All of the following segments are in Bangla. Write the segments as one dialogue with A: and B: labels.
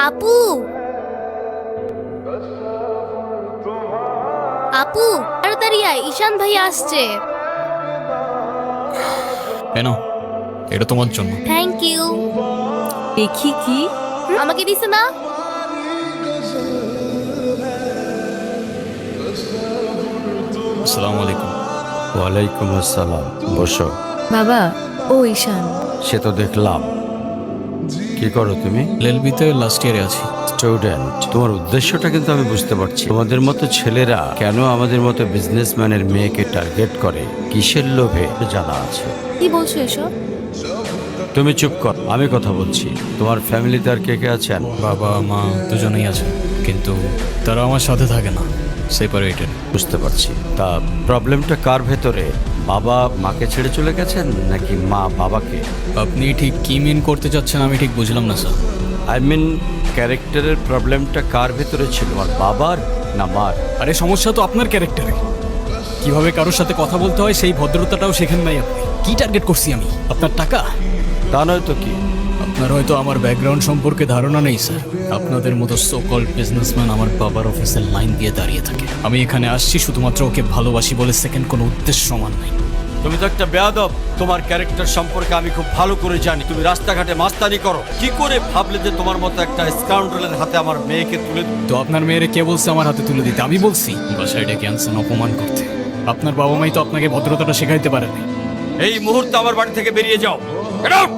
A: আপু, আপু তাড়াতাড়ি আয়, ঈশান ভাই আসছে।
B: কেন? এটা তোমার জন্য।
A: Thank you.
C: দেখি কি
A: আমাকে দিছে না?
B: আসসালামু আলাইকুম।
D: ওয়ালাইকুম আসসালাম। বসো।
C: বাবা, ও ঈশান।
D: সে তো দেখলাম। কি করো তুমি?
B: এলএলবিতে লাস্ট ইয়ারে আছি।
D: স্টুডেন্ট। তোমার উদ্দেশ্যটা কিন্তু আমি বুঝতে পারছি। তোমাদের মতো ছেলেরা কেন আমাদের মতো বিজনেসম্যানের মেয়েকে টার্গেট করে, কিসের লোভে জানা আছে।
A: কি বলছো এসব?
D: তুমি চুপ কর, আমি কথা বলছি। তোমার ফ্যামিলিতে আর কে কে আছেন?
B: বাবা মা দুজনেই আছে, কিন্তু তারা আমার সাথে থাকে না, সেপারেটেড।
D: বুঝতে পারছি। তা প্রবলেমটা কার ভেতরে? বাবা মাকে ছেড়ে চলে গেছেন নাকি মা বাবাকে?
B: আপনি ঠিক কি মিন করতে চাচ্ছেন আমি ঠিক বুঝলাম না স্যার।
D: আই মিন ক্যারেক্টারের প্রবলেমটা কার ভেতরে ছিল, আর বাবার না মার?
B: আরে সমস্যা তো আপনার ক্যারেক্টারে। কিভাবে কারোর সাথে কথা বলতে হয় সেই ভদ্রতাটাও শেখেন নাই আপনি। কি টার্গেট করছি আমি? আপনার টাকা?
D: তা নয় তো কি।
B: আপনার হয়তো আমার ব্যাকগ্রাউন্ড সম্পর্কে ধারণা নেই স্যার। আপনাদের মতো সো কল্ড বিজনেসম্যান আমার বাবার অফিসের লাইন দিয়ে দাঁড়িয়ে থাকে। আমি এখানে আসছি শুধুমাত্র ওকে ভালোবাসি বলে, সেকেন্ড কোনো উদ্দেশ্য সমান নাই।
D: তুমি তো একটা বেয়াদব। তোমার ক্যারেক্টার সম্পর্কে আমি খুব ভালো করে জানি। তুমি রাস্তাঘাটে মাস্তানি করো। কি করে ভাবলে যে তোমার মতো একটা স্কাউন্ডারের হাতে আমার মেয়েকে তুলে
B: তো আপনার মেয়েরে কে বলছে আমার হাতে তুলে দিতে? আমি বলছি বাসায় ডেকে আনছেন অপমান করতে। আপনার বাবা মাই তো আপনাকে ভদ্রতাটা শেখাইতে পারেনি।
D: এই মুহূর্তে আমার বাড়ি থেকে বেরিয়ে যাও। Get out!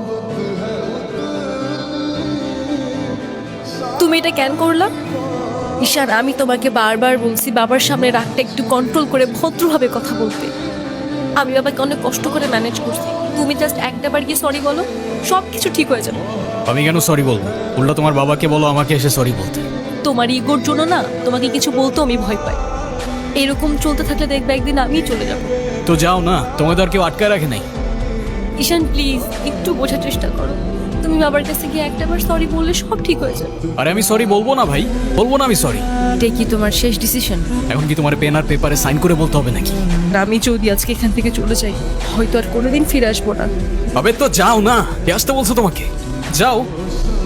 C: তুমি এটা কেন করলা? ঈশান, আমি তোমাকে বারবার বলছি বাবার সামনে রাগটা একটু কন্ট্রোল করে ভদ্রভাবে কথা বলতে। আমি বাবাকে অনেক কষ্ট করে ম্যানেজ করছি। তুমি জাস্ট একটাবার গিয়ে সরি বলো, সব কিছু ঠিক হয়ে যাবে।
B: আমি কেন সরি বলবো? উল্টা তোমার বাবাকে বলো আমাকে এসে সরি বলতে।
C: তোমার ইগোর জন্য না তোমাকে কিছু বলতেও আমি ভয় পাই। এরকম চলতে থাকলে দেখবে একদিন আমিই চলে যাব।
B: তো যাও না, তোমাদের আর কেউ আটকায় রাখে নাই।
C: ঈশান প্লিজ একটু বোঝার চেষ্টা করো। তুমি বাবার কাছে গিয়ে একটাবার সরি বললে সব ঠিক হয়ে যাবে।
B: আরে আমি সরি বলবো না ভাই, বলবো না আমি সরি।
C: এটাই কি তোমার শেষ ডিসিশন?
B: এখন কি তোমার পেন আর পেপারে সাইন করে বলতে হবে নাকি?
C: আমি যদি আজকে এখান থেকে চলে যাই, হয়তো আর কোনোদিন ফিরে আসবো না।
B: আবে তো যাও না, কে আসতে বলছো তোমাকে? যাও।